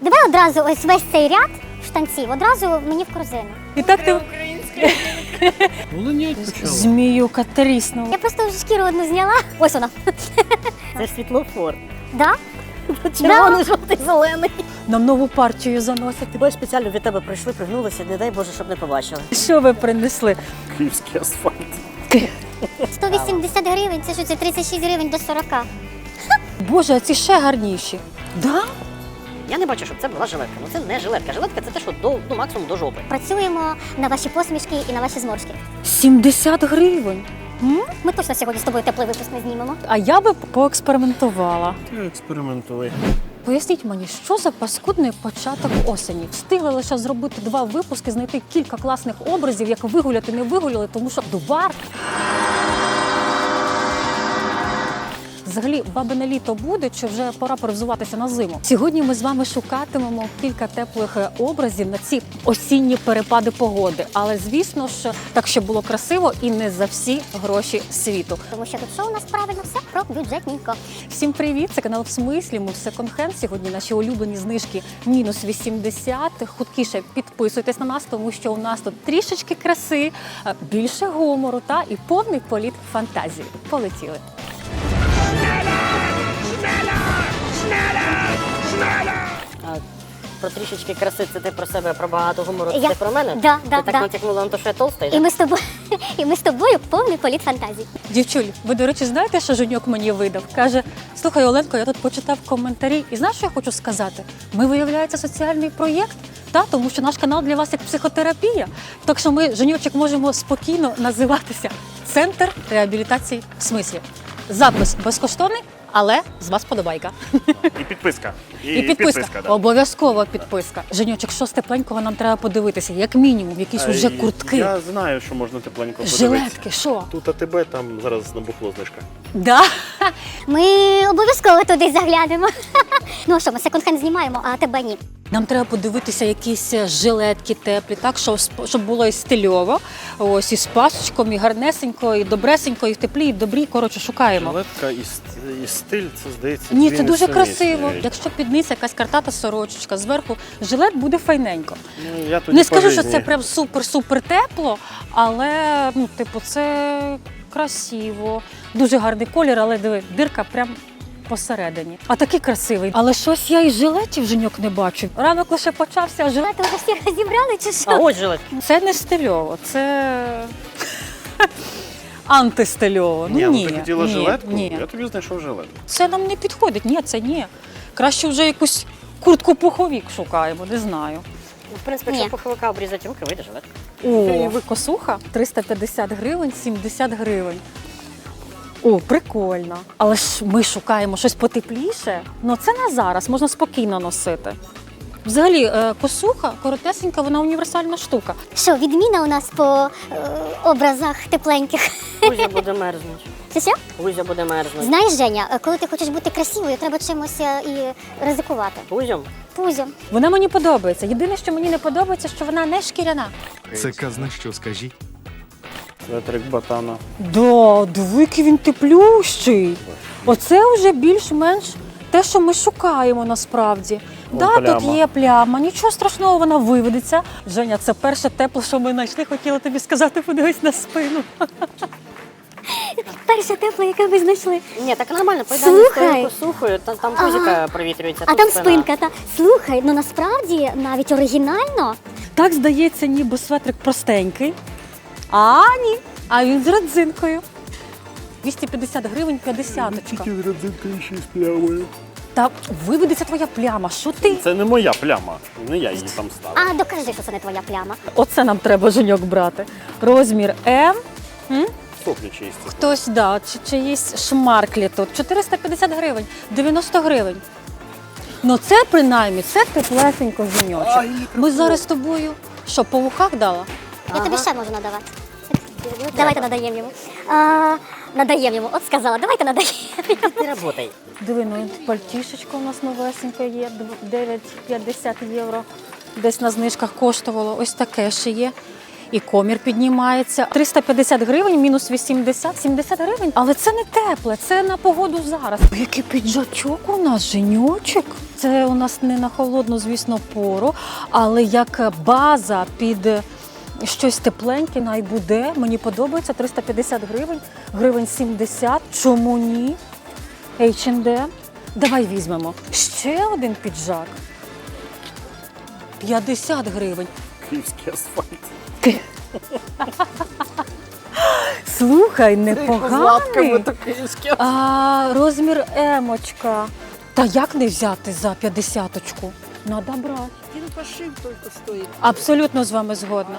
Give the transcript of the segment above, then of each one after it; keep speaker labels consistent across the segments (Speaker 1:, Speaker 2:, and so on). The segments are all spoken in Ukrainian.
Speaker 1: Давай одразу ось весь цей ряд штанців, одразу мені в корзину.
Speaker 2: І так ти
Speaker 3: Волинять почала.
Speaker 2: зміюка тріснула.
Speaker 1: Я просто вже шкіру одну зняла. Ось вона.
Speaker 4: Це ж світлофор.
Speaker 1: Да?
Speaker 4: Червоний, жовтий, зелений.
Speaker 2: Нам нову партію заносити.
Speaker 4: Ти бачиш, спеціально від тебе прийшли, пригнулися, не дай Боже, щоб не побачили.
Speaker 2: Що ви принесли?
Speaker 3: Київський асфальт.
Speaker 1: 180 гривень, це що, це 36 гривень до 40.
Speaker 2: Боже, а ці ще гарніші. Да?
Speaker 4: Я не бачу, щоб це була жилетка. Ну це не жилетка. Жилетка це те, що до максимум до жопи.
Speaker 1: Працюємо на ваші посмішки і на ваші зморшки.
Speaker 2: 70 гривень.
Speaker 1: Ми точно сьогодні з тобою теплий випуск не знімемо.
Speaker 2: А я би поекспериментувала.
Speaker 3: Ти експериментуй.
Speaker 2: Поясніть мені, що за паскудний початок осені? Встигли лише зробити 2 випуски, знайти кілька класних образів, як вигуляти, не вигуляли, тому що дубар. Взагалі, бабине літо буде, чи вже пора перевзуватися на зиму? Сьогодні ми з вами шукатимемо кілька теплих образів на ці осінні перепади погоди. Але, звісно ж, так, щоб було красиво і не за всі гроші світу.
Speaker 1: Тому що тут що у нас правильно все про бюджетненько.
Speaker 2: Всім привіт! Це канал В Смислі. Ми в секонд-хенд. Сьогодні наші улюблені знижки мінус 80. Хуткіше підписуйтесь на нас, тому що у нас тут трішечки краси, більше гумору та і повний політ фантазії. Полетіли!
Speaker 4: А про трішечки краси це ти про себе, про багато гумору, це
Speaker 1: Я-
Speaker 4: ти про мене?
Speaker 1: Да,
Speaker 4: ти
Speaker 1: да,
Speaker 4: так
Speaker 1: да.
Speaker 4: натякнула на те, що я толста?
Speaker 1: І ми з тобою повний політ фантазій.
Speaker 2: Дівчуль, ви, до речі, знаєте, що Женьок мені видав? Каже, слухай, Оленко, я тут почитав коментарі, і знаєш, що я хочу сказати? Ми, виявляється, соціальний проєкт, тому що наш канал для вас як психотерапія. Так що ми, Женьочок, можемо спокійно називатися «Центр реабілітації в смислі». Запис безкоштовний, але з вас подобайка.
Speaker 3: І підписка.
Speaker 2: І підписка.
Speaker 3: Да.
Speaker 2: Обов'язково підписка. Женьочок, що з тепленького нам треба подивитися? Як мінімум, якісь уже куртки,
Speaker 3: Я знаю, що можна тепленько подивитися.
Speaker 2: жилетки, що?
Speaker 3: Тут АТБ, там зараз набухло знижка.
Speaker 2: Да?
Speaker 1: Ми обов'язково туди заглянемо. Ну а що, ми секонд-хенд знімаємо, а тебе ні.
Speaker 2: Нам треба подивитися якісь жилетки теплі, так, щоб було і стильово, ось і з пасочком, і гарнесенько, і добресенько, і в теплі, і в добрі. Коротше, шукаємо.
Speaker 3: Жилетка і стиль, це здається.
Speaker 2: Ні,
Speaker 3: дві
Speaker 2: це дуже
Speaker 3: несумісні
Speaker 2: красиво.
Speaker 3: речі.
Speaker 2: Якщо під низ якась картата сорочечка, зверху жилет буде файненько.
Speaker 3: Ну, я тоді
Speaker 2: Не скажу,
Speaker 3: по
Speaker 2: що
Speaker 3: житті.
Speaker 2: це прям супер-супер тепло, але ну, типу, це красиво. Дуже гарний колір, але диви, дирка прям посередині. А такий красивий. Але щось я і жилетів, Женьок, не бачу. Ранок лише почався, а жилет...
Speaker 1: Ви вже всі розібрали чи
Speaker 4: А
Speaker 1: що?
Speaker 4: ось жилетка.
Speaker 2: Це не стильово, це антистильово.
Speaker 3: Ні,
Speaker 2: Ну, ні,
Speaker 3: ти хотіла
Speaker 2: ні,
Speaker 3: жилетку?
Speaker 2: ні.
Speaker 3: Я тобі знайшов жилетку.
Speaker 2: Це нам не підходить, ні, це ні. Краще вже якусь куртку-пуховік шукаємо, не знаю.
Speaker 4: Ну, в принципі,
Speaker 1: Ні.
Speaker 4: якщо пуховика обрізати руки, вийде жилетка.
Speaker 2: О, косуха 350 гривень, 70 гривень. О, прикольно. Але ж ми шукаємо щось потепліше. Ну це на зараз, можна спокійно носити. Взагалі, косуха коротесенька, вона універсальна штука.
Speaker 1: Що, відміна у нас по образах тепленьких?
Speaker 4: Кузя буде мерзнути.
Speaker 1: Що?
Speaker 4: Кузя буде мерзнути.
Speaker 1: Знаєш, Женя, коли ти хочеш бути красивою, треба чимось і ризикувати.
Speaker 4: Кузям?
Speaker 1: Пузом.
Speaker 2: Вона мені подобається. Єдине, що мені не подобається, що вона не шкіряна.
Speaker 5: Це казна що, скажіть?
Speaker 3: Светрик батана.
Speaker 2: Да, дивики він теплющий. Оце вже більш-менш те, що ми шукаємо насправді. Да, тут
Speaker 3: пляма.
Speaker 2: є пляма, нічого страшного, вона виведеться. Женя, це перше тепло, що ми знайшли. Хотіла тобі сказати, подивись на спину.
Speaker 1: Перше тепло, яке ви знайшли.
Speaker 4: Ні, так нормально, поїдемо
Speaker 1: Слухай.
Speaker 4: з косухою, там кузика провітрюється.
Speaker 1: А
Speaker 4: тут
Speaker 1: там
Speaker 4: спина.
Speaker 1: спинка. Слухай, ну насправді навіть оригінально.
Speaker 2: Так здається, ніби светрик простенький. А ні, а він з родзинкою. 250 гривень 50-очка.
Speaker 3: родзинкою ще з плямою.
Speaker 2: Та виведеться твоя пляма, що ти?
Speaker 3: Це не моя пляма, не я її там ставив.
Speaker 1: А докажи, що це не твоя пляма.
Speaker 2: Оце нам треба, Женьок, брати. Розмір М.
Speaker 3: Соплі чисті.
Speaker 2: Хтось, да, чиїсь шмарклі тут. 450 гривень, 90 гривень. Ну це принаймні, це теплесенько, Женьочок. Ми зараз з тобою, що, по вухах дала?
Speaker 1: Я тобі ще можу надавати. Давайте надаємо йому. Надаємо йому, от сказала, давайте надаємо.
Speaker 4: Ти работай.
Speaker 2: Диви, ну пальтішечко у нас новесеньке є, 9,50 євро. Десь на знижках коштувало. Ось таке ще є. І комір піднімається. 350 гривень, мінус 80, 70 гривень. Але це не тепле, це на погоду зараз. Який піджачок у нас, Женьочок. Це у нас не на холодну, звісно, пору, але як база під щось тепленьке, най буде. Мені подобається. 350 гривень, гривень 70. Чому ні? H&M. Давай візьмемо. Ще один піджак. 50 гривень.
Speaker 3: Київський асфальт.
Speaker 2: Слухай, непоганий.
Speaker 4: то київське.
Speaker 2: А розмір емочка. Та як не взяти за 50-очку? Надо брати.
Speaker 4: Він пошив тільки стоїть.
Speaker 2: Абсолютно з вами згодна.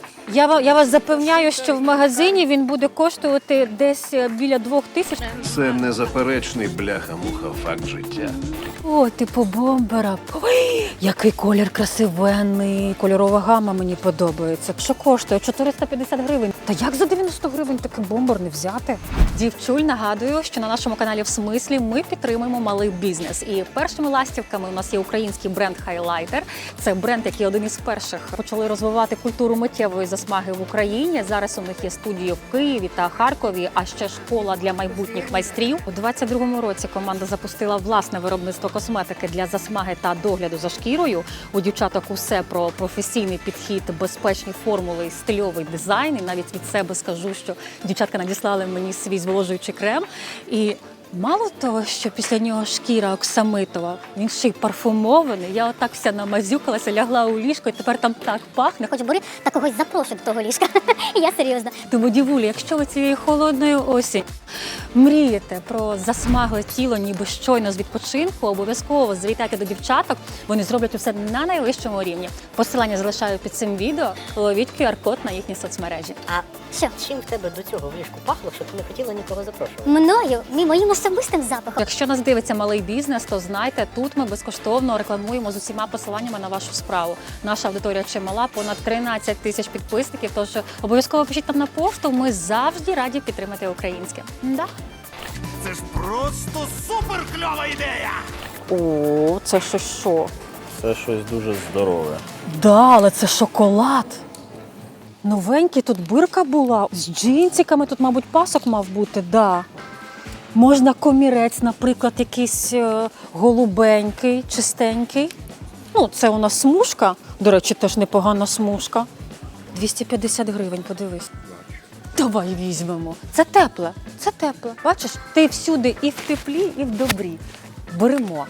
Speaker 2: Я вас запевняю, що в магазині він буде коштувати десь біля 2000.
Speaker 6: Це незаперечний бляха-муха факт життя.
Speaker 2: О, типу бомбера. Ой, який колір красивенний. Кольорова гама мені подобається. Що коштує? 450 гривень. Та як за 90 гривень такий бомбер не взяти? Дівчуль, нагадую, що на нашому каналі «В смислі» ми підтримуємо малий бізнес. І першими ластівками у нас є український бренд Highlighter. Це бренд, який один із перших почали розвивати культуру миттєвої засмаги в Україні. Зараз у них є студії в Києві та Харкові, а ще школа для майбутніх майстрів. У 22-му році команда запустила власне виробництво косметики для засмаги та догляду за шкірою. У дівчаток усе про професійний підхід, безпечні формули, стильовий дизайн. І навіть від себе скажу, що дівчатка надіслали мені свій зволожуючий крем. І мало того, що після нього шкіра оксамитова, він ще й парфумований. Я отак вся намазюкалася, лягла у ліжко, і тепер там так пахне.
Speaker 1: Хоч бери та когось запрошуй до того ліжка. Я серйозно.
Speaker 2: Тому, дівулі, якщо ви цієї холодної осінь мрієте про засмагле тіло, ніби щойно з відпочинку, обов'язково завітайте до дівчаток, вони зроблять усе на найвищому рівні. Посилання залишаю під цим відео, ловіть QR-код на їхні соцмережі.
Speaker 4: А
Speaker 1: Що?
Speaker 4: чим в тебе до цього в ліжку пахло, що ти не хотіла нікого запрошувати?
Speaker 1: Мною, моїм особистим запахом.
Speaker 2: Якщо нас дивиться малий бізнес, то знайте, тут ми безкоштовно рекламуємо з усіма посиланнями на вашу справу. Наша аудиторія чимала, понад 13 тисяч підписників, тож обов'язково пишіть нам на пошту, ми завжди раді підтримати українське. Да.
Speaker 6: Це ж просто суперкльова ідея!
Speaker 2: О, це що?
Speaker 3: Це щось дуже здорове.
Speaker 2: Да, але це шоколад. Новенький, тут бирка була. З джинсиками, тут, мабуть, пасок мав бути, да. Можна комірець, наприклад, якийсь голубенький, чистенький. Ну, це у нас смужка. До речі, теж непогана смужка. 250 гривень, подивись. Давай візьмемо. Це тепле, це тепле. Бачиш, ти всюди і в теплі, і в добрі. Беремо.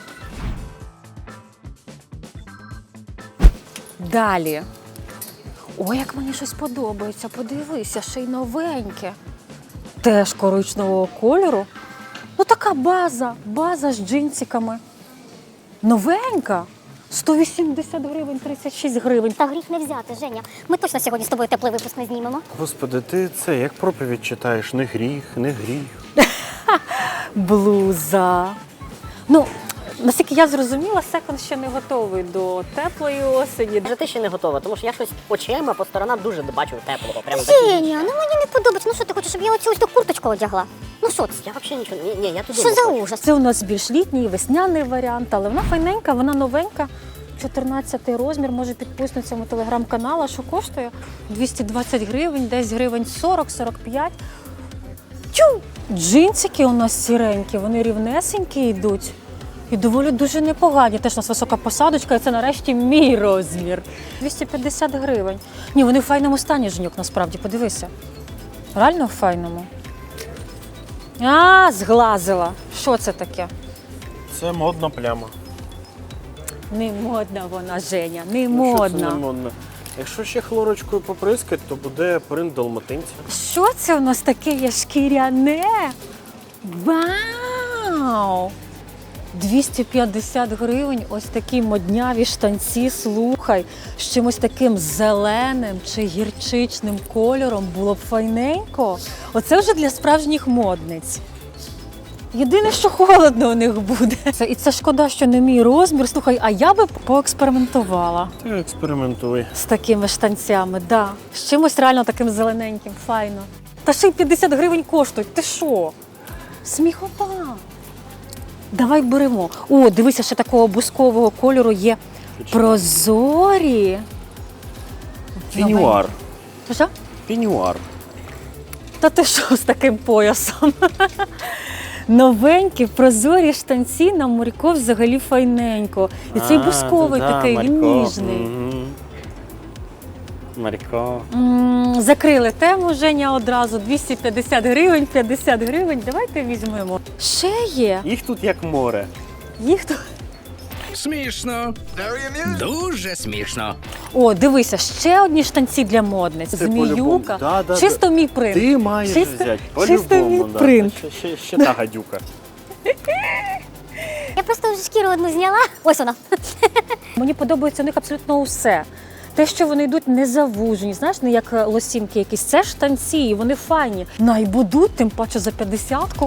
Speaker 2: Далі. Ой, як мені щось подобається, подивися, ще й новеньке. Теж коричневого кольору. Ну така база з джинсиками. Новенька. 180 гривень, 36 гривень.
Speaker 1: Та гріх не взяти, Женя. Ми точно сьогодні з тобою теплий випуск не знімемо.
Speaker 3: Господи, ти це як проповідь читаєш, не гріх, не гріх.
Speaker 2: Блуза. Ну, наскільки я зрозуміла, секонд ще не готовий до теплої осені.
Speaker 4: Вже ти ще не готова, тому що я щось очима по сторонам дуже бачу теплого. Прямо
Speaker 1: Женя, ну мені не подобається. Ну що ти хочеш, щоб я оцю ось ту курточку одягла? Ну що це?
Speaker 4: Я взагалі нічого. Ні, я туди
Speaker 1: Що
Speaker 4: не
Speaker 1: за
Speaker 4: хочу.
Speaker 1: ужас?
Speaker 2: Це у нас більш літній, весняний варіант, але вона файненька, вона новенька. 14 розмір, може підписниця мого телеграм-каналу, що коштує 220 гривень, десь гривень 40-45. Тю! Джинсики у нас сіренькі, вони рівнесенькі йдуть. І доволі дуже непогані. Теж у нас висока посадочка, і це нарешті мій розмір. 250 гривень. Ні, вони в файному стані, Женюк, насправді, подивися. Реально в файному. А, зглазила. Що це таке?
Speaker 3: Це модна пляма.
Speaker 2: Не модна вона, Женя, не
Speaker 3: Ну, що це
Speaker 2: модна.
Speaker 3: не модно? Якщо ще хлорочкою поприскати, то буде принт далматинця.
Speaker 2: Що це у нас таке є шкіряне? Вау! 250 гривень, ось такі модняві штанці, слухай, з чимось таким зеленим чи гірчичним кольором було б файненько. Оце вже для справжніх модниць. Єдине, що холодно у них буде. І це шкода, що не мій розмір. Слухай, а я би поекспериментувала
Speaker 3: Ти експериментуй.
Speaker 2: з такими штанцями, да. З чимось реально таким зелененьким, файно. Та ще й 50 гривень коштують. Ти що? Сміхота. Давай беремо. О, дивися, ще такого бускового кольору є прозорі.
Speaker 3: Пінюар.
Speaker 2: Що?
Speaker 3: Пінюар.
Speaker 2: Та ти що з таким поясом? Новенькі, прозорі штанці на Марько взагалі файненько. І цей бусковий такий, він ніжний.
Speaker 3: Марько.
Speaker 2: Закрили тему, Женя, одразу 250 гривень, 50 гривень. Давайте візьмемо. Ще є.
Speaker 3: Їх тут як море.
Speaker 2: Їх тут.
Speaker 7: Смішно. Дуже смішно.
Speaker 2: О, дивися, ще одні штанці для модниць.
Speaker 3: Це
Speaker 2: Зміюка.
Speaker 3: по-любому. Да.
Speaker 2: Чисто мій принт.
Speaker 3: Ти маєш
Speaker 2: Чисто-
Speaker 3: взяти.
Speaker 2: чисто мій
Speaker 3: По-любому, да.
Speaker 2: принт.
Speaker 3: Ще та гадюка.
Speaker 1: Я просто вже шкіру одну зняла. Ось вона.
Speaker 2: Мені подобається у них абсолютно усе. Те, що вони йдуть не завужені, знаєш, не як лосінки якісь. Це штанці, і вони файні. Найбудуть, тим паче за 50-ку.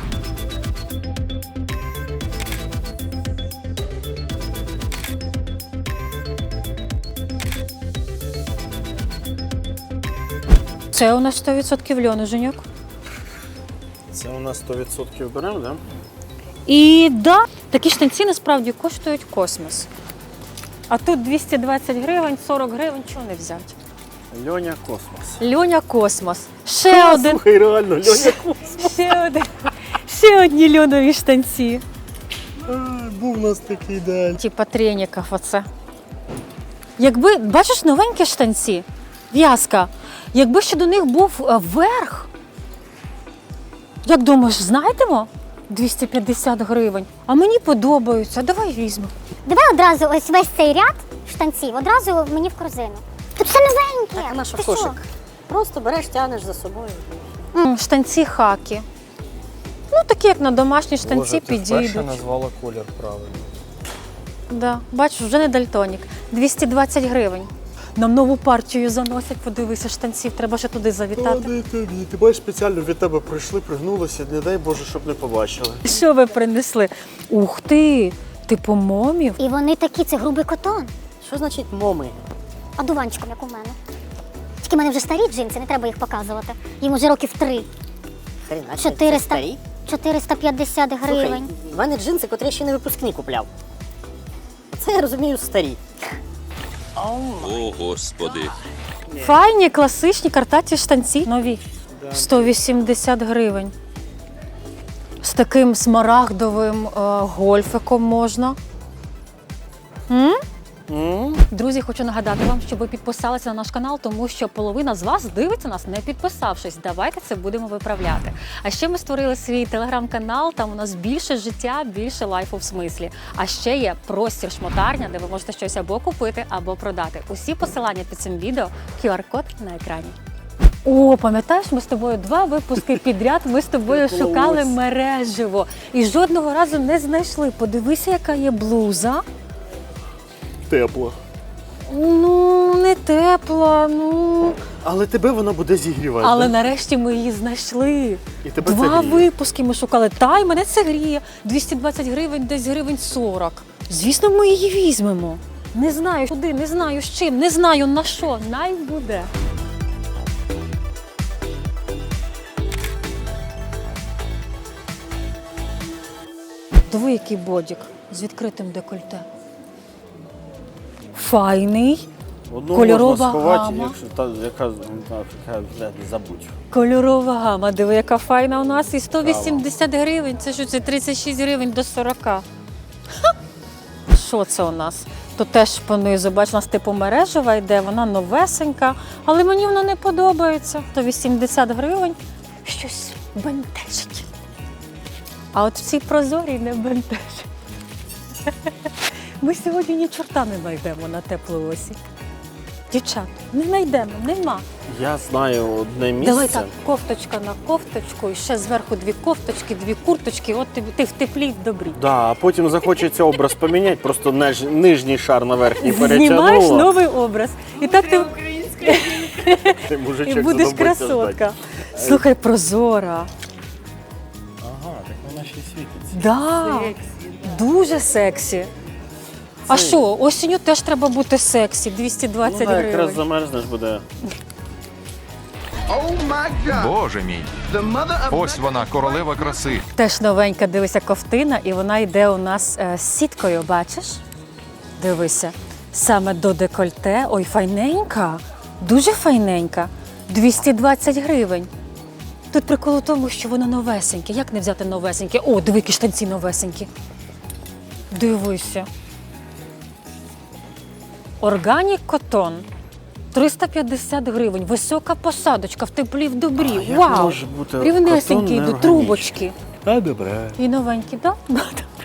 Speaker 2: Це у нас 100% льону, Женьок.
Speaker 3: Це у нас 100% беремо, да?
Speaker 2: І да, такі штанці насправді коштують космос. А тут 220 гривень, 40 гривень, чого не взяти?
Speaker 3: Льоня Космос.
Speaker 2: Льоня Космос. Ще один.
Speaker 3: Слухай, реально, Льоня Космос.
Speaker 2: Ще одні льонові штанці.
Speaker 3: Був у нас такий день.
Speaker 2: Типа треніків оце. Якби, бачиш, новенькі штанці, в'язка, якби ще до них був верх, як думаєш, знайдемо? 250 гривень. А мені подобаються, давай візьмемо.
Speaker 1: Давай одразу ось весь цей ряд штанців, одразу мені в корзину. Тут все новеньке.
Speaker 4: Так, а на що
Speaker 1: Ти
Speaker 4: кошик? Просто береш, тягнеш за собою.
Speaker 2: Штанці хакі. Ну, такі, як на домашні штанці,
Speaker 3: Боже, ти вперше
Speaker 2: підійдуть.
Speaker 3: назвала колір правильно.
Speaker 2: Да. Бачиш, вже не дальтонік. 220 гривень. Нам нову партію заносять, подивися, штанців, треба ще туди завітати.
Speaker 3: Не тобі. Ти бачиш, спеціально від тебе прийшли, пригнулися, не дай Боже, щоб не побачили.
Speaker 2: Що ви принесли? Ух ти! Типу момів?
Speaker 1: І вони такі, це грубий котон.
Speaker 4: Що значить моми?
Speaker 1: А дуванчиком, як у мене. Тільки в мене вже старі джинси, не треба їх показувати. Їм уже років 3.
Speaker 4: Хрена, це
Speaker 1: 400.
Speaker 4: старі?
Speaker 1: 450 гривень.
Speaker 4: Слухай, в мене джинси, котрі я ще не випускні купляв. Це я розумію старі.
Speaker 7: О, Господи.
Speaker 2: Файні, класичні, картаті штанці. Нові. 180 гривень. З таким смарагдовим гольфиком можна. Друзі, хочу нагадати вам, щоб ви підписалися на наш канал, тому що половина з вас дивиться нас, не підписавшись. Давайте це будемо виправляти. А ще ми створили свій телеграм-канал, там у нас більше життя, більше лайфу в смислі. А ще є простір шмотарня, де ви можете щось або купити, або продати. Усі посилання під цим відео, QR-код на екрані. О, пам'ятаєш, ми з тобою 2 випуски підряд, ми з тобою шукали мережево і жодного разу не знайшли. Подивися, яка є блуза.
Speaker 3: Тепло.
Speaker 2: Ну, не тепла, ну.
Speaker 3: Але тебе вона буде зігрівати.
Speaker 2: Але
Speaker 3: да?
Speaker 2: нарешті ми її знайшли.
Speaker 3: І тебе це
Speaker 2: 2
Speaker 3: гріє.
Speaker 2: випуски ми шукали. Та, і мене це гріє. 220 гривень, десь гривень 40. Звісно, ми її візьмемо. Не знаю куди, не знаю з чим, не знаю на що. Най буде. Диви, який бодік з відкритим декольте. Файний.
Speaker 3: Одну
Speaker 2: кольорова
Speaker 3: можна сховати,
Speaker 2: гама.
Speaker 3: якщо та, яка забудь.
Speaker 2: Кольорова гама, диви, яка файна у нас. І 180 гривень. Це що, це 36 гривень до 40. Ха! Що це у нас? Тут теж понизу, бач, у нас типу мережева йде, вона новесенька, але мені вона не подобається. 180 гривень. Щось бентежить. А от в цій прозорій не бентежить. Ми сьогодні ні чорта не знайдемо на теплу осінь. Дівчат, не знайдемо, нема.
Speaker 3: Я знаю одне місце.
Speaker 2: Давай так, кофточка на кофточку, і ще зверху 2 кофточки, 2 курточки, от ти в теплі й в добрі.
Speaker 3: Да, а потім захочеться образ поміняти, просто нижній шар на верхній
Speaker 2: Знімаєш
Speaker 3: перетягнула.
Speaker 2: новий образ. І так ти
Speaker 3: Ти мужичок
Speaker 2: і будеш
Speaker 3: задумайся
Speaker 2: красотка.
Speaker 3: ждать.
Speaker 2: Слухай, прозора.
Speaker 3: Ага, так вона ще й світиться.
Speaker 2: Да, дуже сексі. А що, осінню теж треба бути сексі, 220
Speaker 3: Ну, да, якраз
Speaker 2: гривень.
Speaker 3: замерзнеш буде.
Speaker 5: Боже мій. Ось вона, королева краси.
Speaker 2: Теж новенька, дивися, ковтина, і вона йде у нас з сіткою, бачиш? Дивися, саме до декольте. Ой, файненька, дуже файненька. 220 гривень. Тут прикол у тому, що воно новесеньке. Як не взяти новесеньке? О, диви, які штанці новесенькі. Дивися. Органік котон. 350 гривень. Висока посадочка в теплі в добрі.
Speaker 3: як
Speaker 2: Вау!
Speaker 3: може бути
Speaker 2: Рівнесенькі
Speaker 3: котон
Speaker 2: йдуть,
Speaker 3: неорганічний?
Speaker 2: трубочки.
Speaker 3: А, добре.
Speaker 2: І новенькі, так? Да?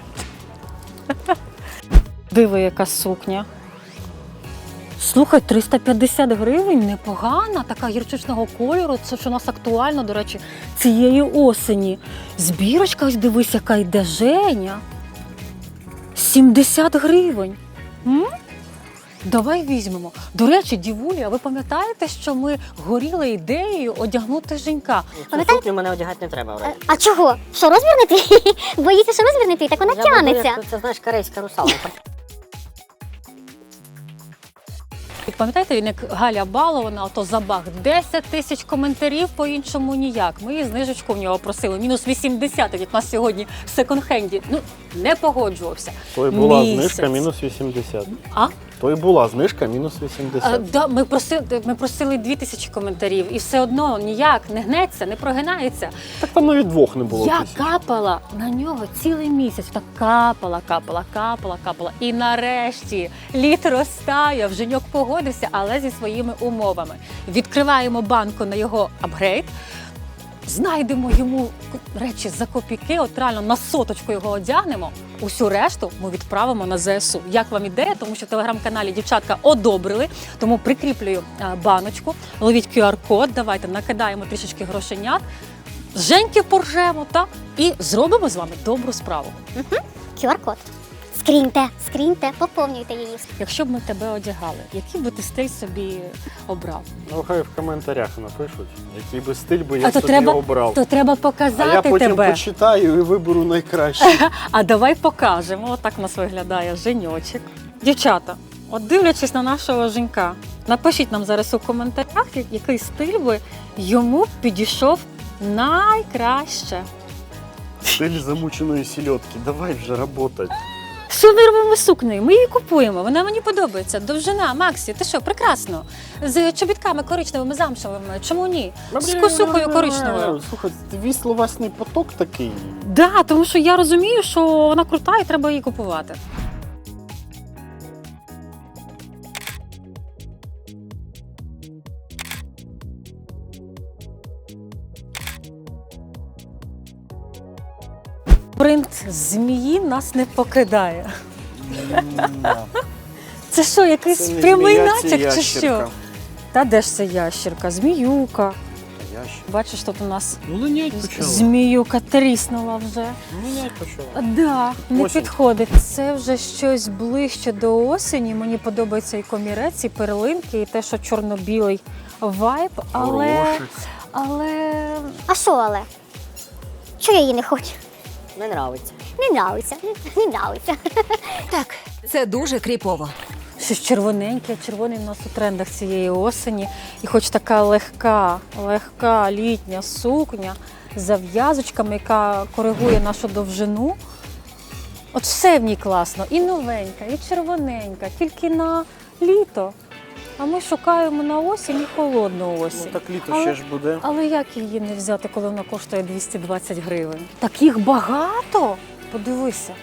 Speaker 2: Диви, яка сукня. Слухай, 350 гривень, непогана, така гірчичного кольору. Це ж у нас актуально, до речі, цієї осені. Збірочка, ось дивись, яка йде, Женя. 70 гривень. М? Давай візьмемо. До речі, дівулі, а ви пам'ятаєте, що ми горіли ідеєю одягнути Женька?
Speaker 4: Цю сукню мене одягати не треба, вроді.
Speaker 1: А чого? Що, розмір не твій? Боїться, що розмір не твій? Так вона
Speaker 4: Я буду,
Speaker 1: тянеться.
Speaker 4: як це, знаєш, корейська русалка.
Speaker 2: Пам'ятаєте, він як Галя Балована, ото забаг 10 тисяч коментарів, по-іншому ніяк. Ми і знижечку в нього просили, мінус 80, як у нас сьогодні в секонд-хенді. Ну, не погоджувався.
Speaker 3: То й була
Speaker 2: Місяць.
Speaker 3: знижка мінус 80.
Speaker 2: А?
Speaker 3: То й була знижка мінус 80.
Speaker 2: Да, ми просили 2000 коментарів, і все одно ніяк не гнеться, не прогинається.
Speaker 3: Так там навіть двох не було.
Speaker 2: Я
Speaker 3: тисяч.
Speaker 2: капала на нього цілий місяць. Так капала. І нарешті лід розтаяв, Женьок погодився, але зі своїми умовами. Відкриваємо банку на його апгрейд, знайдемо йому речі за копійки, от реально на соточку його одягнемо. Усю решту ми відправимо на ЗСУ. Як вам ідея? Тому що в телеграм-каналі дівчатка одобрили, тому прикріплюю баночку, ловіть QR-код, давайте накидаємо трішечки грошенят, Женьки поржемо, і зробимо з вами добру справу.
Speaker 1: QR-код. Скріньте, поповнюйте її.
Speaker 2: Якщо б ми тебе одягали, який би ти стиль собі обрав?
Speaker 3: Ну, хай в коментарях напишуть, який би стиль би я
Speaker 2: А то
Speaker 3: собі обрав.
Speaker 2: треба
Speaker 3: А
Speaker 2: показати
Speaker 3: я потім
Speaker 2: тебе.
Speaker 3: почитаю і виберу найкраще.
Speaker 2: А давай покажемо. Отак у нас виглядає Женьочек. Дівчата, от дивлячись на нашого Женька, напишіть нам зараз у коментарях, який стиль би йому підійшов найкраще.
Speaker 3: Стиль замученої сільотки. Давай вже работать.
Speaker 2: Що ми робимо з сукнею? Ми її купуємо, вона мені подобається. Довжина, Максі, ти що, прекрасно. З чобітками коричневими, замшевими, чому ні? З косухою коричневою.
Speaker 3: Слухай, твій словесний поток такий.
Speaker 2: Да, тому що я розумію, що вона крута і треба її купувати. Принт змії нас не покидає. Це що, якийсь
Speaker 3: Це не
Speaker 2: прямий
Speaker 3: змія, це
Speaker 2: натяк чи що?
Speaker 3: ящерка.
Speaker 2: Та де ж це ящерка? Зміюка.
Speaker 3: Ящик.
Speaker 2: Бачиш, тут у нас
Speaker 3: Ну, линять почала.
Speaker 2: зміюка тріснула вже.
Speaker 3: Линять почала.
Speaker 2: Да, не
Speaker 3: Осінь.
Speaker 2: підходить. Це вже щось ближче до осені. Мені подобається і комірець, і перлинки, і те, що чорно-білий вайб, але
Speaker 1: А що але? Чого я її не хочу?
Speaker 4: Не нравиться.
Speaker 1: Не нравиться.
Speaker 8: Так, це дуже кріпово.
Speaker 2: щось червоненьке. Червоний у нас у трендах цієї осені. І хоч така легка літня сукня з зав'язочками, яка коригує нашу довжину. От все в ній класно. І новенька, і червоненька, тільки на літо. А ми шукаємо на осінь і холодну осінь.
Speaker 3: Ну так літо ще ж буде.
Speaker 2: Але як її не взяти, коли вона коштує 220 гривень? Таких багато? Подивися.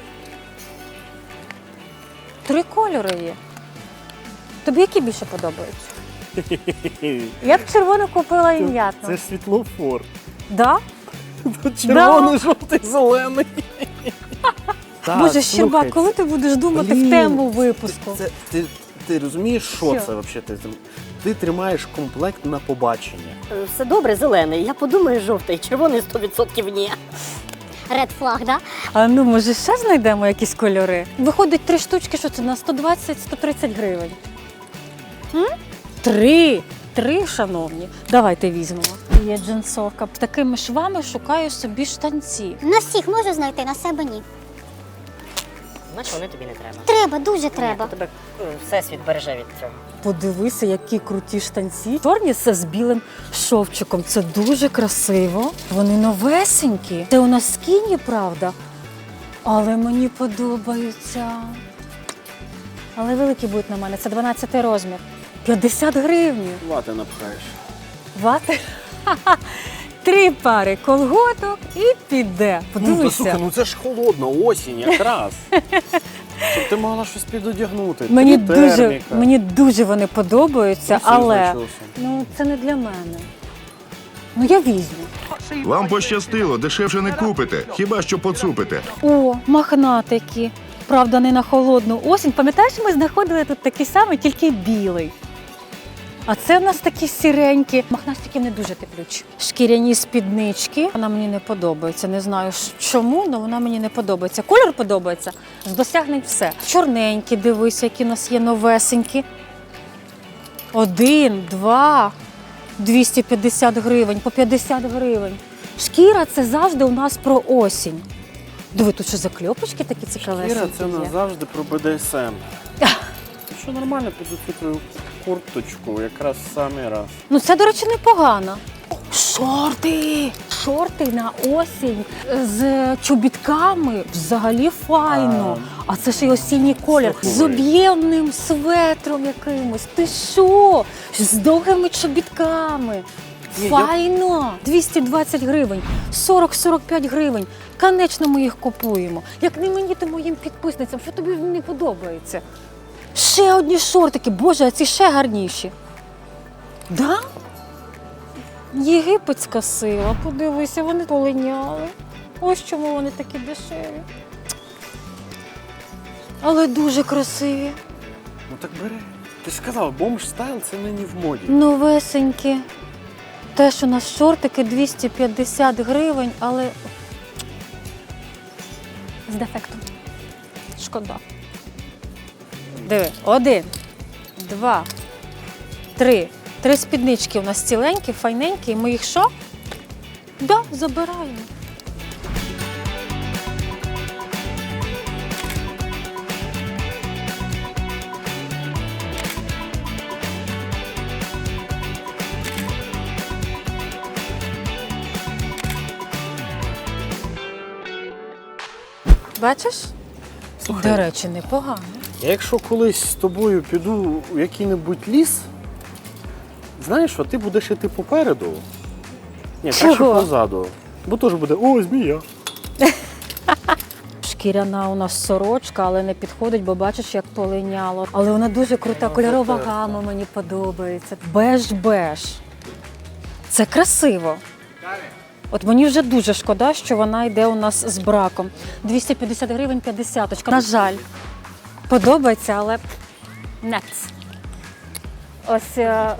Speaker 2: 3 кольори є. Тобі які більше подобаються? Я б червону купила і м'ятну.
Speaker 3: Це ж світлофор.
Speaker 2: Да?
Speaker 3: Червоний, жовтий, зелений. Так,
Speaker 2: Боже,
Speaker 3: слухай,
Speaker 2: Щербак, коли ти будеш думати в тему випуску?
Speaker 3: Ти розумієш, що
Speaker 2: Що?
Speaker 3: це взагалі? Ти тримаєш комплект на побачення.
Speaker 4: Все добре, зелений. Я подумаю, жовтий, червоний 100% ні.
Speaker 1: Ред флаг, да?
Speaker 2: А ну, може, ще знайдемо якісь кольори? Виходить 3 штучки, що це на 120-130 гривень. Три, шановні. Давайте візьмемо. Є джинсовка. Такими швами шукаю собі штанці.
Speaker 1: На всіх можу знайти, на себе ні.
Speaker 4: Значить, вони тобі не треба.
Speaker 1: Треба, дуже треба.
Speaker 4: Ні, тебе всесвіт береже від цього.
Speaker 2: Подивися, які круті штанці. Чорні все з білим шовчиком. Це дуже красиво. Вони новесенькі. Це у нас скіні, правда? Але мені подобаються. Але великі будуть на мене. Це 12 розмір. 50 гривень.
Speaker 3: Вати напхаєш.
Speaker 2: Вати? 3 пари колготок і піде.
Speaker 3: Ну, та
Speaker 2: Подивися.
Speaker 3: слухай, ну це ж холодно, осінь якраз. Щоб ти могла щось підодягнути.
Speaker 2: Мені дуже вони подобаються,
Speaker 3: Трусів
Speaker 2: але
Speaker 3: начосом.
Speaker 2: ну, це не для мене. Ну я візьму.
Speaker 6: Вам пощастило, дешевше не купите, хіба що поцупите.
Speaker 2: О, мохнатики. Правда, не на холодну осінь. Пам'ятаєш, ми знаходили тут такий самий, тільки білий. А це в нас такі сіренькі. Мохнатики не дуже теплючі. Шкіряні спіднички. Вона мені не подобається. Не знаю чому, але вона мені не подобається. Кольор подобається. З досягнень все. Чорненькі, дивись, які у нас є новесенькі. 1, 2, 250 гривень, по 50 гривень. Шкіра – це завжди у нас про осінь. Диви, тут що закльопочки такі цікавесенькі
Speaker 3: Іра, це
Speaker 2: є.
Speaker 3: назавжди про БДСМ. Що нормально під цю твою курточку, якраз в самий раз.
Speaker 2: Ну це, до речі, непогано. Шорти! Шорти на осінь з чобітками взагалі файно. А це ж і осінній колір.
Speaker 3: Слухай.
Speaker 2: З об'ємним светром якимось. Ти що? З довгими чобітками.
Speaker 3: Ні,
Speaker 2: Файно! 220 гривень, 40-45 гривень. Конечно, ми їх купуємо. Як не мені, то моїм підписницям. Що тобі не подобається? Ще одні шортики. Боже, а ці ще гарніші. Да? Єгипетська сила. Подивися, вони полиняли. Ось чому вони такі дешеві. Але дуже красиві.
Speaker 3: Ну так бери. Ти ж сказав, бомж стайл це нині в моді.
Speaker 2: Новесенькі. Теж у нас шортики 250 гривень, але з дефектом. Шкода. Диви, 1, 2, 3. 3 спіднички у нас ціленькі, файненькі. І ми їх що? Да, забираємо. Бачиш?
Speaker 3: Слухай,
Speaker 2: До речі, непогано.
Speaker 3: я якщо колись з тобою піду у який-небудь ліс, знаєш що, ти будеш іти попереду. Ні, краще
Speaker 2: Чого?
Speaker 3: позаду. Бо теж буде, о, змія.
Speaker 2: Шкіряна у нас сорочка, але не підходить, бо бачиш, як полиняло. Але вона дуже крута, кольорова гама мені подобається. Беж-беж. Це красиво. От мені вже дуже шкода, що вона йде у нас з браком. 250 гривень 50-очка. На жаль, подобається, але нец. Ось,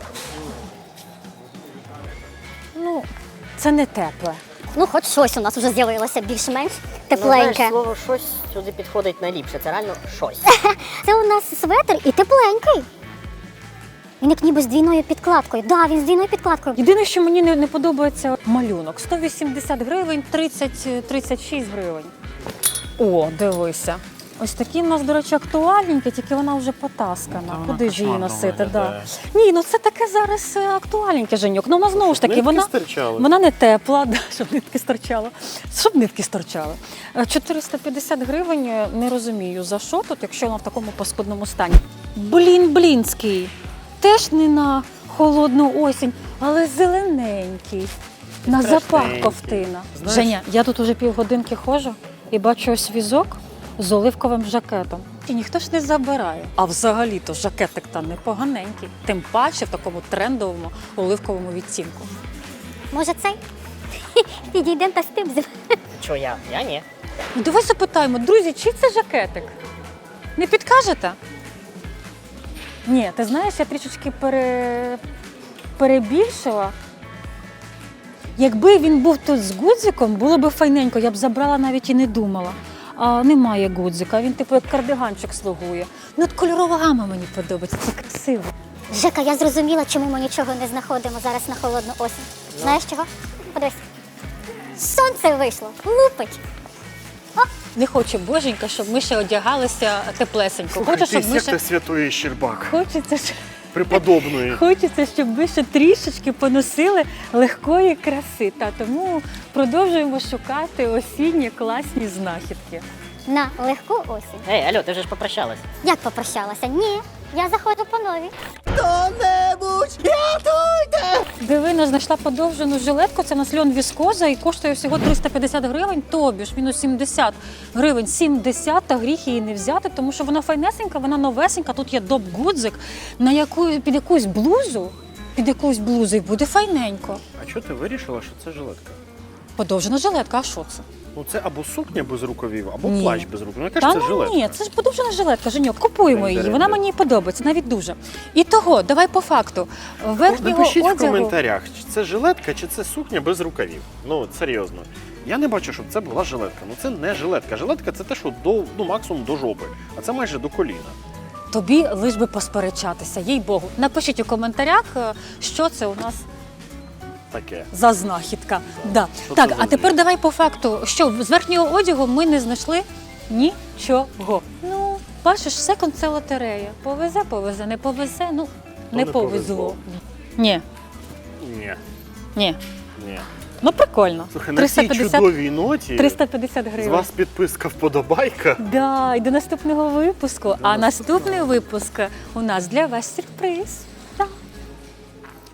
Speaker 2: ну, це не тепле.
Speaker 1: Ну, хоч щось у нас вже з'явилося більш-менш
Speaker 4: Ну,
Speaker 1: тепленьке.
Speaker 4: знаєш, слово щось сюди підходить найліпше. Це реально щось.
Speaker 1: Це у нас светр і тепленький. Він як ніби з двійною підкладкою. Да, він з двійною підкладкою.
Speaker 2: Єдине, що мені не подобається малюнок. 180 гривень, 30-36 гривень. О, дивися. Ось такі в нас, до речі, актуальненькі, тільки вона вже потаскана. Куди ж її
Speaker 3: кошмарно
Speaker 2: носити? Да.
Speaker 3: виглядає.
Speaker 2: Ні, ну це таке зараз актуальненьке, Женьок. Ну, вона знову ж таки,
Speaker 3: Нитки
Speaker 2: вона,
Speaker 3: стирчали.
Speaker 2: вона не тепла, да, щоб нитки стирчали. Щоб нитки стирчали. 450 гривень, не розумію, за що тут, якщо вона в такому паскудному стані. Блінський. Теж не на холодну осінь, але зелененький. На запах
Speaker 3: Страшненький.
Speaker 2: ковтина.
Speaker 3: Знаєш-
Speaker 2: Женя, я тут уже півгодинки ходжу і бачу ось візок з оливковим жакетом. І ніхто ж не забирає. А взагалі-то жакетик там непоганенький. Тим паче в такому трендовому оливковому відтінку.
Speaker 1: Може цей? Підійдемо та стимзимо.
Speaker 4: Що я? Я ні.
Speaker 2: Ну давай запитаємо, друзі, чий це жакетик? Не підкажете? Ні, ти знаєш, я трішечки перебільшила. Якби він був тут з гудзиком, було б файненько, я б забрала, навіть і не думала. А немає гудзика, він типу як кардиганчик слугує. Ну от кольорова гама мені подобається, це красиво.
Speaker 1: Жека, я зрозуміла, чому ми нічого не знаходимо зараз на холодну осінь. Знаєш чого? Подивись. Сонце вийшло, лупить.
Speaker 2: Не хоче боженька, щоб ми ще одягалися теплесенько.
Speaker 3: Слухай,
Speaker 2: Хоче,
Speaker 3: ти
Speaker 2: щоб ми
Speaker 3: секта
Speaker 2: ще...
Speaker 3: Святої Щербак.
Speaker 2: Хочеться, щоб ми ще трішечки поносили легкої краси. Та тому продовжуємо шукати осінні класні знахідки.
Speaker 1: На легку осінь.
Speaker 4: Ей, алло, ти вже ж попрощалась.
Speaker 1: Як попрощалася? Ні, Я заходжу по новій.
Speaker 2: Дивина знайшла подовжену жилетку, це на льон віскоза і коштує всього 350 гривень, тобі ж мінус 70 гривень. 70, та гріх її не взяти, тому що вона файнесенька, вона новесенька, тут є доп-гудзик, під якусь блузу і буде файненько.
Speaker 3: А чого ти вирішила, що це жилетка?
Speaker 2: Подовжена жилетка, а що це?
Speaker 3: Ну це або сукня без рукавів, або
Speaker 2: Ні.
Speaker 3: плащ без рукавів. Ну, яка
Speaker 2: Та
Speaker 3: ж це жилетка?
Speaker 2: ні, це ж подовжена жилетка, Женьок, купуємо її, вона мені подобається, навіть дуже. І того, давай по факту. Верхнього
Speaker 3: Напишіть в
Speaker 2: одягу...
Speaker 3: коментарях, чи це жилетка, чи це сукня без рукавів. Ну, серйозно. Я не бачу, щоб це була жилетка. Ну це не жилетка. Жилетка це те, що максимум до жопи, а це майже до коліна.
Speaker 2: Тобі лиш би посперечатися, їй Богу. Напишіть у коментарях, що це у нас
Speaker 3: Таке.
Speaker 2: за знахідка. Да.
Speaker 3: Що
Speaker 2: Так,
Speaker 3: це за
Speaker 2: а тепер
Speaker 3: звір?
Speaker 2: давай по факту, що з верхнього одягу ми не знайшли нічого. Ну, бачиш, секонд це лотерея. Повезе, не повезе, ну, не
Speaker 3: не
Speaker 2: повезло.
Speaker 3: повезло.
Speaker 2: Ні,
Speaker 3: Ні.
Speaker 2: ні.
Speaker 3: Ні.
Speaker 2: Ну, прикольно.
Speaker 3: Слухай, на цій чудовій ноті
Speaker 2: 350
Speaker 3: з
Speaker 2: гривень.
Speaker 3: вас підписка вподобайка.
Speaker 2: Да, і до наступного випуску. А наступний випуск у нас для вас сюрприз. Так.